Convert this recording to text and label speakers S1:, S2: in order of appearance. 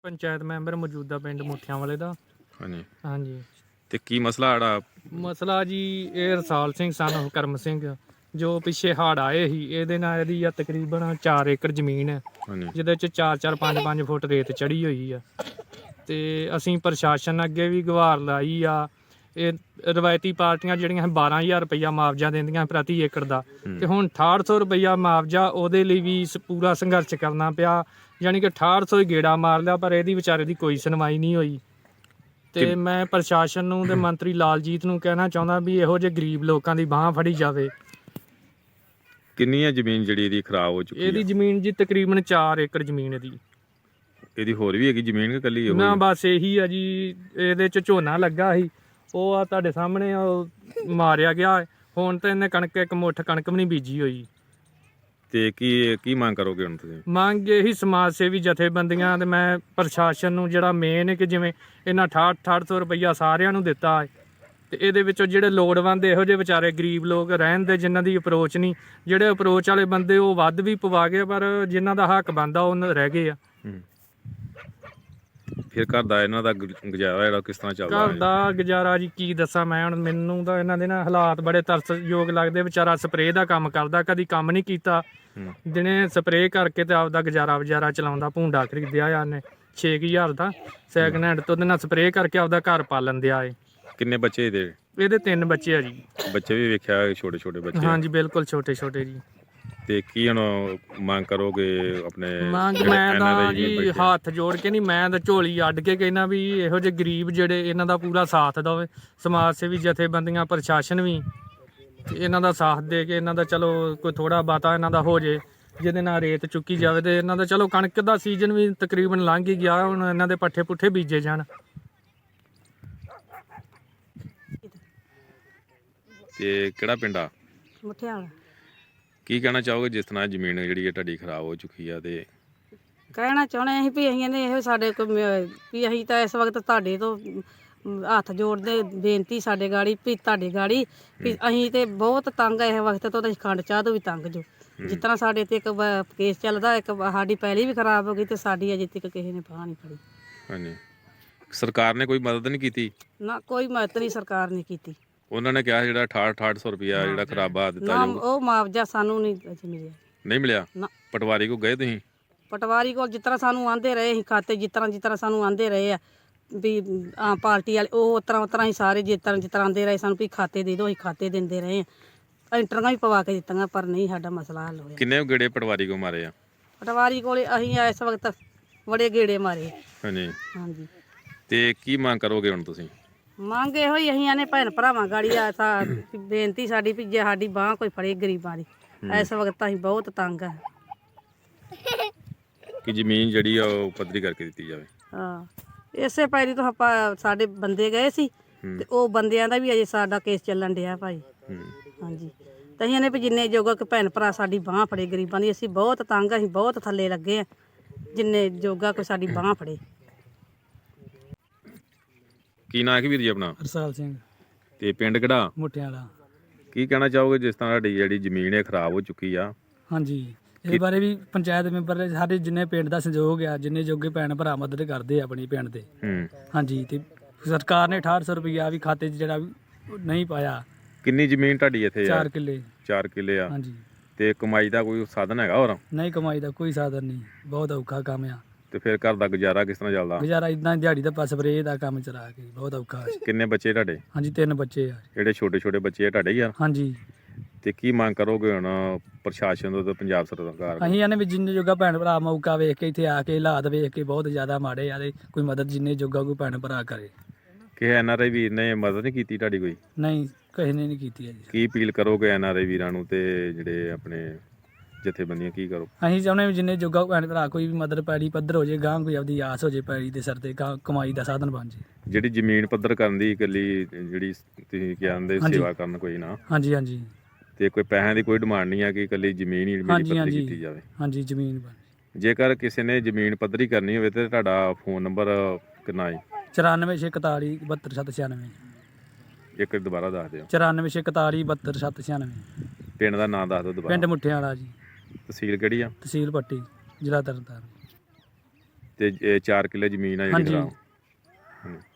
S1: Panchayat member ਮੌਜੂਦਾ ਪਿੰਡ ਮੁੱਠਿਆਂ ਵਾਲੇ ਦਾ।
S2: ਹਾਂਜੀ
S1: ਹਾਂਜੀ,
S2: ਤੇ ਕੀ ਮਸਲਾ ਆੜਾ?
S1: ਮਸਲਾ ਜੀ ਇਹ ਰਸਾਲ ਸਿੰਘ ਸਨ ਕਰਮ ਸਿੰਘ, ਜੋ ਪਿੱਛੇ ਹੜ੍ਹ ਆਏ ਸੀ, ਇਹਦੇ ਨਾਲ ਇਹਦੀ ਆ ਤਕਰੀਬਨ 4 ਏਕੜ ਜ਼ਮੀਨ ਹੈ,
S2: ਹਾਂਜੀ
S1: ਜਿਹਦੇ ਚ 4-4 5-5 ਫੁੱਟ ਰੇਤ ਚੜੀ ਹੋਈ ਆ। ਤੇ ਅਸੀਂ ਪ੍ਰਸ਼ਾਸਨ ਅੱਗੇ ਵੀ ਗੁਹਾਰ ਲਾਈ ਆ। ਇਹ ਰਵਾਇਤੀ ਪਾਰਟੀਆਂ ਜਿਹੜੀਆਂ 12,000 ਰੁਪਈਆ ਮੁਆਵਜ਼ਾ ਦਿੰਦੀਆਂ ਪ੍ਰਤੀ ਏਕੜ ਦਾ, ਤੇ ਹੁਣ 6800 ਰੁਪਈਆ ਮੁਆਵਜ਼ਾ, ਉਹਦੇ ਲਈ ਵੀ ਪੂਰਾ ਸੰਘਰਸ਼ ਕਰਨਾ ਪਿਆ। ਯਾਨੀ ਕਿ 6800 ਹੀ ਗੇੜਾ ਮਾਰ ਲਿਆ, ਪਰ ਇਹਦੀ ਵਿਚਾਰੇ ਦੀ ਕੋਈ ਸੁਣਵਾਈ ਨਹੀਂ ਹੋਈ। ਤੇ ਮੈਂ ਪ੍ਰਸ਼ਾਸਨ ਨੂੰ ਤੇ ਮੰਤਰੀ ਲਾਲਜੀਤ ਨੂੰ ਕਹਿਣਾ ਚਾਹੁੰਦਾ ਵੀ ਇਹੋ ਜਿਹੇ ਗਰੀਬ ਲੋਕਾਂ ਦੀ ਬਾਂਹ ਫੜੀ ਜਾਵੇ।
S2: ਕਿੰਨੀ ਹੈ ਜ਼ਮੀਨ ਜਿਹੜੀ ਇਹਦੀ ਖਰਾਬ ਹੋ ਚੁੱਕੀ
S1: ਇਹਦੀ
S2: ਹੈ?
S1: ਜ਼ਮੀਨ ਜੀ ਤਕਰੀਬਨ 4 ਏਕੜ ਜ਼ਮੀਨ ਇਹਦੀ।
S2: ਇਹਦੀ ਹੋਰ ਵੀ ਹੈਗੀ ਜ਼ਮੀਨ ਕਿ ਕੱਲੀ ਇਹੋ
S1: ਨਾ
S2: ਹੀ ਆ?
S1: ਬਸ ਇਹੀ ਆ ਜੀ। ਇਹਦੇ ਚ ਝੋਨਾ ਲੱਗਾ ਸੀ, ਉਹ ਆ ਤੁਹਾਡੇ ਸਾਹਮਣੇ ਉਹ ਮਾਰਿਆ ਗਿਆ। ਹੁਣ ਤਾਂ ਇਹਨੇ ਕਣਕ, ਇੱਕ ਮੁੱਠ ਕਣਕ ਵੀ ਨਹੀਂ ਬੀਜੀ ਹੋਈ।
S2: ਤੇ ਕੀ ਮੰਗ ਕਰੋਗੇ ਹੁਣ ਤੁਸੀਂ?
S1: ਮੰਗ ਇਹੀ ਸਮਾਜ ਸੇਵੀ ਜਥੇਬੰਦੀਆਂ ਤੇ ਮੈਂ ਪ੍ਰਸ਼ਾਸਨ ਨੂੰ, ਜਿਹੜਾ ਮੇਨ ਹੈ ਕਿ ਜਿਵੇਂ ਇਹਨਾਂ 6800 ਰੁਪਈਆ ਸਾਰਿਆਂ ਨੂੰ ਦਿੱਤਾ ਹੈ, ਤੇ ਇਹਦੇ ਵਿੱਚੋਂ ਜਿਹੜੇ ਲੋੜਵੰਦ ਇਹੋ ਜਿਹੇ ਵਿਚਾਰੇ ਗਰੀਬ ਲੋਕ ਰਹਿਣ ਦੇ, ਜਿਨ੍ਹਾਂ ਦੀ ਅਪਰੋਚ ਨਹੀਂ, ਜਿਹੜੇ ਅਪਰੋਚ ਵਾਲੇ ਬੰਦੇ ਉਹ ਵੱਧ ਵੀ ਪਵਾ ਗਏ, ਪਰ ਜਿਨ੍ਹਾਂ ਦਾ ਹੱਕ ਬਣਦਾ ਉਹ ਰਹਿ ਗਏ ਆ।
S2: ਫਿਰ ਘਰ ਦਾ ਇਹਨਾਂ ਦਾ ਗੁਜ਼ਾਰਾ ਜਿਹੜਾ ਕਿਸ ਤਰ੍ਹਾਂ ਚੱਲਦਾ
S1: ਘਰ ਦਾ ਗੁਜ਼ਾਰਾ ਜੀ ਕੀ ਦੱਸਾਂ ਮੈਂ ਹੁਣ। ਮੈਨੂੰ ਤਾਂ ਇਹਨਾਂ ਦੇ ਨਾ ਹਾਲਾਤ ਬੜੇ ਤਰਸਯੋਗ ਲੱਗਦੇ। ਵਿਚਾਰਾ ਸਪਰੇਅ ਦਾ ਕੰਮ ਕਰਦਾ, ਕਦੀ ਕੰਮ ਨਹੀਂ ਕੀਤਾ। ਦਿਨੇ ਸਪਰੇਅ ਕਰਕੇ ਤੇ ਆਪਦਾ ਗੁਜ਼ਾਰਾ ਚਲਾਉਂਦਾ। ਭੂੰਡਾ ਖਰੀਦਿਆ ਆ ਉਹਨੇ 6,000 ਦਾ ਸੈਕਿੰਡ ਹੈਂਡ, ਤੋਂ ਉਹਦੇ ਨਾਲ ਸਪਰੇਅ ਕਰਕੇ ਆਪਦਾ ਘਰ ਪਾਲਣ ਦਿਆ ਏ।
S2: ਕਿੰਨੇ ਬੱਚੇ
S1: ਇਹਦੇ 3 ਬੱਚੇ ਆ ਜੀ।
S2: ਬੱਚੇ ਵੀ ਵੇਖਿਆ ਛੋਟੇ ਛੋਟੇ ਬੱਚੇ?
S1: ਹਾਂਜੀ ਬਿਲਕੁਲ ਛੋਟੇ ਛੋਟੇ ਜੀ।
S2: ਤੇ ਕੀ ਹੁਣ ਮੰਗ ਕਰੋਗੇ ਆਪਣੇ?
S1: ਮੰਗ ਮੈਂ ਤਾਂ ਜੀ ਹੱਥ ਜੋੜ ਕੇ ਨਹੀਂ, ਮੈਂ ਤਾਂ ਝੋਲੀ ਅੱਡ ਕੇ ਕਹਿਣਾ ਵੀ ਇਹੋ ਜਿਹੇ ਗਰੀਬ ਜਿਹੜੇ, ਇਹਨਾਂ ਦਾ ਪੂਰਾ ਸਾਥ ਦੇਵੇ ਸਮਾਜ ਸੇਵੀ ਜਥੇਬੰਦੀਆਂ, ਪ੍ਰਸ਼ਾਸਨ ਵੀ ਇਹਨਾਂ ਦਾ ਸਾਥ ਦੇ ਕੇ ਇਹਨਾਂ ਦਾ ਚਲੋ ਕੋਈ ਥੋੜਾ ਬਾਤਾ ਇਹਨਾਂ ਦਾ ਹੋ ਜੇ, ਜਿਹਦੇ ਨਾਲ ਰੇਤ ਚੁੱਕੀ ਜਾਵੇ। ਤੇ ਇਹਨਾਂ ਦਾ ਚਲੋ ਕਣਕ ਦਾ ਸੀਜ਼ਨ ਵੀ ਤਕਰੀਬਨ ਲੰਘ ਹੀ ਗਿਆ, ਹੁਣ ਇਹਨਾਂ ਦੇ ਪੱਠੇ ਪੁੱਠੇ ਬੀਜੇ ਜਾਣ।
S2: ਤੇ ਕਿਹੜਾ ਪਿੰਡ ਆ?
S3: ਮੁੱਠਿਆਂ ਵਾਲਾ।
S2: ਕੀ ਕਹਿਣਾ ਚਾਹੋਗੇ ਜਿਸ ਤਰ੍ਹਾਂ ਜ਼ਮੀਨ ਜਿਹੜੀ ਹੈ ਤੁਹਾਡੀ ਖਰਾਬ ਹੋ ਚੁੱਕੀ ਆ? ਤੇ
S3: ਕਹਿਣਾ ਚਾਹੁੰਦੇ ਅਸੀਂ ਵੀ ਅਸੀਂ ਨੇ ਇਹ ਸਾਡੇ ਕੋਲ ਵੀ ਅਸੀਂ ਤਾਂ ਇਸ ਵਕਤ ਤੁਹਾਡੇ ਤੋਂ ਹੱਥ ਜੋੜਦੇ ਬੇਨਤੀ ਸਾਡੇ ਗਾੜੀ ਵੀ ਤੁਹਾਡੇ ਗਾੜੀ ਵੀ ਅਸੀਂ ਤੇ ਬਹੁਤ ਤੰਗ ਆ ਇਸ ਵਕਤ ਤੋਂ, ਤਾਂ ਖੰਡ ਚਾਹ ਤੋਂ ਵੀ ਤੰਗ ਜੋ। ਜਿਸ ਤਰ੍ਹਾਂ ਸਾਡੇ ਤੇ ਇੱਕ ਕੇਸ ਚੱਲਦਾ, ਇੱਕ ਸਾਡੀ ਪਹਿਲੀ ਵੀ ਖਰਾਬ ਹੋ ਗਈ, ਤੇ ਸਾਡੀ ਅਜੇ ਤੱਕ ਕਿਸੇ ਨੇ ਬਾਂਹ ਨਹੀਂ ਫੜੀ।
S2: ਹਾਂਜੀ, ਸਰਕਾਰ ਨੇ ਕੋਈ ਮਦਦ ਨਹੀਂ ਕੀਤੀ?
S3: ਨਾ ਕੋਈ ਮਦਦ ਨਹੀਂ ਸਰਕਾਰ ਨੇ ਕੀਤੀ।
S2: ਉਹਨਾਂ ਨੇ ਕਿਹਾ ਜਿਹੜਾ 6800 ਰੁਪਇਆ ਜਿਹੜਾ ਖਰਾਬਾ ਦਿੱਤਾ
S3: ਨਾ
S2: ਜਾਊਗਾ।
S3: ਉਹ ਮੁਆਵਜ਼ਾ ਸਾਨੂੰ ਨਹੀਂ ਅਜੇ ਮਿਲਿਆ।
S2: ਨਹੀਂ ਮਿਲਿਆ?
S3: ਨਾ।
S2: ਪਟਵਾਰੀ ਕੋ ਗਏ ਤੁਸੀਂ?
S3: ਪਟਵਾਰੀ ਕੋਲ ਜਿਸ ਤਰ੍ਹਾਂ ਸਾਨੂੰ ਆਂਦੇ ਰਹੇ ਅਸੀਂ ਖਾਤੇ, ਜਿਸ ਤਰ੍ਹਾਂ ਸਾਨੂੰ ਆਂਦੇ ਰਹੇ ਆ ਵੀ ਆਮ ਪਾਰਟੀ ਵਾਲੇ, ਉਹ ਉਸ ਤਰ੍ਹਾਂ ਹੀ ਸਾਰੇ ਜਿਸ ਤਰ੍ਹਾਂ ਆਂਦੇ ਰਹੇ ਸਾਨੂੰ ਵੀ ਖਾਤੇ ਦੇ ਦਿਓ, ਅਸੀਂ ਖਾਤੇ ਦਿੰਦੇ ਰਹੇ ਆ। ਐਂਟਰੀਆਂ ਵੀ ਪਵਾ ਕੇ ਦਿੱਤੀਆਂ, ਪਰ ਨਹੀਂ ਸਾਡਾ ਮਸਲਾ ਹੱਲ ਹੋਇਆ।
S2: ਕਿੰਨੇ ਗੇੜੇ ਪਟਵਾਰੀ ਕੋ ਮਾਰੇ ਆ?
S3: ਪਟਵਾਰੀ ਕੋਲੇ ਅਸੀਂ ਇਸ ਵਕਤ ਬੜੇ ਗੇੜੇ ਮਾਰੇ।
S2: ਹਾਂਜੀ
S3: ਹਾਂਜੀ।
S2: ਤੇ ਕੀ ਮੰਗ ਕਰੋਗੇ ਹੁਣ ਤੁਸੀਂ?
S3: ਮੰਗ ਇਹੋ ਹੀ ਅਸੀਂ ਆਨੇ ਭੈਣ ਭਰਾਵਾਂ ਗਾੜੀ ਆ ਬੇਨਤੀ ਸਾਡੀ ਵੀ ਜੇ ਸਾਡੀ ਬਾਂਹ ਕੋਈ ਫੜੇ ਗਰੀਬਾਂ ਦੀ। ਇਸ ਵਕਤ ਅਸੀਂ ਬਹੁਤ ਤੰਗ ਆ।
S2: ਕਿ ਜ਼ਮੀਨ ਜਿਹੜੀ ਆ ਉਹ ਪੱਧਰੀ ਕਰਕੇ ਦਿੱਤੀ ਜਾਵੇ।
S3: ਹਾਂ, ਇਸੇ ਪੈਰੀ ਤੋਂ ਆਪਾਂ ਸਾਡੇ ਬੰਦੇ ਗਏ ਸੀ, ਤੇ ਉਹ ਬੰਦਿਆਂ ਦਾ ਵੀ ਅਜੇ ਸਾਡਾ ਕੇਸ ਚੱਲਣ ਡਿਆ ਭਾਈ। ਹਾਂਜੀ, ਤੇ ਅਸੀਂ ਇਹਨੇ ਵੀ ਜਿੰਨੇ ਜੋਗਾ ਕਿ ਭੈਣ ਭਰਾ ਸਾਡੀ ਬਾਂਹ ਫੜੇ ਗਰੀਬਾਂ ਦੀ। ਅਸੀਂ ਬਹੁਤ ਤੰਗ, ਅਸੀਂ ਬਹੁਤ ਥੱਲੇ ਲੱਗੇ ਆ, ਜਿੰਨੇ ਜੋਗਾ ਕੋਈ ਸਾਡੀ ਬਾਂਹ ਫੜੇ।
S2: ਕੀ ਨਾਂ ਹੈ ਵੀਰ ਜੀ ਆਪਣਾ?
S1: ਰਸਾਲ ਸਿੰਘ।
S2: ਤੇ ਪਿੰਡ ਕਿਹੜਾ?
S1: ਮੁੱਠਿਆਂ ਵਾਲਾ।
S2: ਕੀ ਕਹਿਣਾ ਚਾਹੋਗੇ ਜਿਸ ਤਰ੍ਹਾਂ ਸਾਡੀ ਜਿਹੜੀ ਜ਼ਮੀਨ ਹੈ ਖਰਾਬ ਹੋ ਚੁੱਕੀ ਆ?
S1: ਹਾਂਜੀ, ਇਹ ਬਾਰੇ ਵੀ ਪੰਚਾਇਤ ਮੈਂਬਰ ਸਾਡੇ ਜਿੰਨੇ ਪਿੰਡ ਦਾ ਸਹਿਯੋਗ ਆ, ਜਿੰਨੇ ਜੋਗੇ ਭੈਣ ਭਰਾ ਮਦਦ ਕਰਦੇ ਆ ਆਪਣੀ ਪਿੰਡ ਦੇ। ਹਾਂਜੀ, ਤੇ ਸਰਕਾਰ ਨੇ 6800 ਰੁਪਈਆ ਵੀ ਖਾਤੇ 'ਚ ਜਿਹੜਾ ਨਹੀਂ ਪਾਇਆ।
S2: ਕਿੰਨੀ ਜ਼ਮੀਨ ਤੁਹਾਡੀ ਇੱਥੇ?
S1: 4 ਕਿੱਲੇ।
S2: 4 ਕਿੱਲੇ ਆ?
S1: ਹਾਂਜੀ।
S2: ਤੇ ਕਮਾਈ ਦਾ ਕੋਈ ਸਾਧਨ ਹੈਗਾ ਹੋਰ?
S1: ਨਹੀਂ, ਕਮਾਈ ਦਾ ਕੋਈ ਸਾਧਨ ਨਹੀਂ, ਬਹੁਤ ਔਖਾ ਕੰਮ ਆ।
S2: ਤੇ ਫਿਰ ਘਰ ਦਾ ਗੁਜ਼ਾਰਾ ਕਿਸ ਤਰ੍ਹਾਂ ਚੱਲਦਾ?
S1: ਗੁਜ਼ਾਰਾ ਇਦਾਂ ਦਿਹਾੜੀ ਦਾ ਸਪਰੇਅ ਦਾ ਕੰਮ ਚਲਾ ਕੇ ਬਹੁਤ ਔਖਾ।
S2: ਕਿੰਨੇ ਬੱਚੇ ਤੁਹਾਡੇ?
S1: ਹਾਂਜੀ, 3 ਬੱਚੇ ਆ।
S2: ਜਿਹੜੇ ਛੋਟੇ ਛੋਟੇ ਬੱਚੇ ਆ ਤੁਹਾਡੇ ਹੀ ਆ?
S1: ਹਾਂਜੀ।
S2: ਤੇ ਕੀ ਮੰਗ ਕਰੋਗੇ ਹੁਣ ਪ੍ਰਸ਼ਾਸਨ ਤੋਂ ਤੇ ਪੰਜਾਬ ਸਰਕਾਰ ਤੋਂ?
S1: ਅਸੀਂ ਇਹਨੇ ਵੀ ਜਿੰਨੇ ਜੋਗਾ ਭੈਣ ਭਰਾ ਮੌਕਾ ਵੇਖ ਕੇ ਇੱਥੇ ਆ ਕੇ ਹਾਲਾਤ ਵੇਖ ਕੇ ਬਹੁਤ ਜ਼ਿਆਦਾ ਮਾੜੇ ਆ, ਤੇ ਕੋਈ ਮਦਦ ਜਿੰਨੇ ਜੋਗਾ ਕੋਈ ਭੈਣ ਭਰਾ ਕਰੇ।
S2: ਕਿ NRI ਵੀਰ ਨੇ ਮਦਦ ਨਹੀਂ ਕੀਤੀ ਤੁਹਾਡੀ ਕੋਈ?
S1: ਨਹੀਂ, ਕਿਸੇ ਨੇ ਨਹੀਂ ਕੀਤੀ ਹੈ ਜੀ।
S2: ਕੀ ਅਪੀਲ ਕਰੋਗੇ NRI ਵੀਰਾਂ ਨੂੰ ਤੇ ਜਿਹੜੇ ਆਪਣੇ ਜਥੇਬੰਦੀਆਂ, ਕੀ ਕਰੋ?
S1: ਅਸੀਂ ਚਾਹੁੰਦੇ ਵੀ ਜਿੰਨੇ ਜੋਗਾ ਭੈਣ ਭਰਾ ਕੋਈ ਵੀ ਮਦਦ ਪੈੜੀ ਪੱਧਰ ਹੋ ਜੇ, ਗਾਂ ਕੋਈ ਆਪਦੀ ਆਸ ਹੋ ਜੇ, ਪੈੜੀ ਦੇ ਸਿਰ ਤੇ ਕਮਾਈ ਦਾ ਸਾਧਨ ਬਣ ਜੇ।
S2: ਜਿਹੜੀ ਜ਼ਮੀਨ ਪੱਧਰ ਕਰਨ ਦੀ ਇਕੱਲੀ ਜਿਹੜੀ ਤੁਸੀਂ ਕਹਿੰਦੇ ਸੇਵਾ ਕਰਨ ਕੋਈ ਨਾ?
S1: ਹਾਂਜੀ ਹਾਂਜੀ।
S2: ਤੇ ਕੋਈ ਪੈਸਿਆਂ ਦੀ ਕੋਈ ਡਿਮਾਂਡ ਨਹੀਂ ਆ ਕਿ ਇਕੱਲੀ ਜ਼ਮੀਨ ਹੀ ਮੇਰੀ ਪੱਧਰੀ ਕੀਤੀ ਜਾਵੇ?
S1: ਹਾਂਜੀ, ਜ਼ਮੀਨ ਬਣ।
S2: ਜੇਕਰ ਕਿਸੇ ਨੇ ਜ਼ਮੀਨ ਪੱਧਰੀ ਕਰਨੀ ਹੋਵੇ ਤੇ ਤੁਹਾਡਾ ਫੋਨ ਨੰਬਰ ਕਿੰਨਾ ਹੈ?
S1: 94 641 72796।
S2: ਇੱਕ ਦੁਬਾਰਾ ਦੱਸ ਦਿਓ।
S1: 94 641 72796।
S2: ਪਿੰਡ ਦਾ ਨਾਮ ਦੱਸ ਦਿਓ ਦੁਬਾਰਾ।
S1: ਪਿੰਡ ਮੁੱਠਿਆਂ ਵਾਲਾ ਜੀ।
S2: ਤਹਿਸੀਲ ਕਿਹੜੀ ਆ?
S1: ਤਹਿਸੀਲ ਪੱਟੀ, ਜ਼ਿਲ੍ਹਾ ਤਰਨਤਾਰਨ।
S2: ਤੇ 4 ਕਿੱਲੇ ਜ਼ਮੀਨ ਆ ਜਿਹੜੀ
S4: ਹਾਂਜੀ।
S2: ਖਰਾਬ। ਹਾਂਜੀ।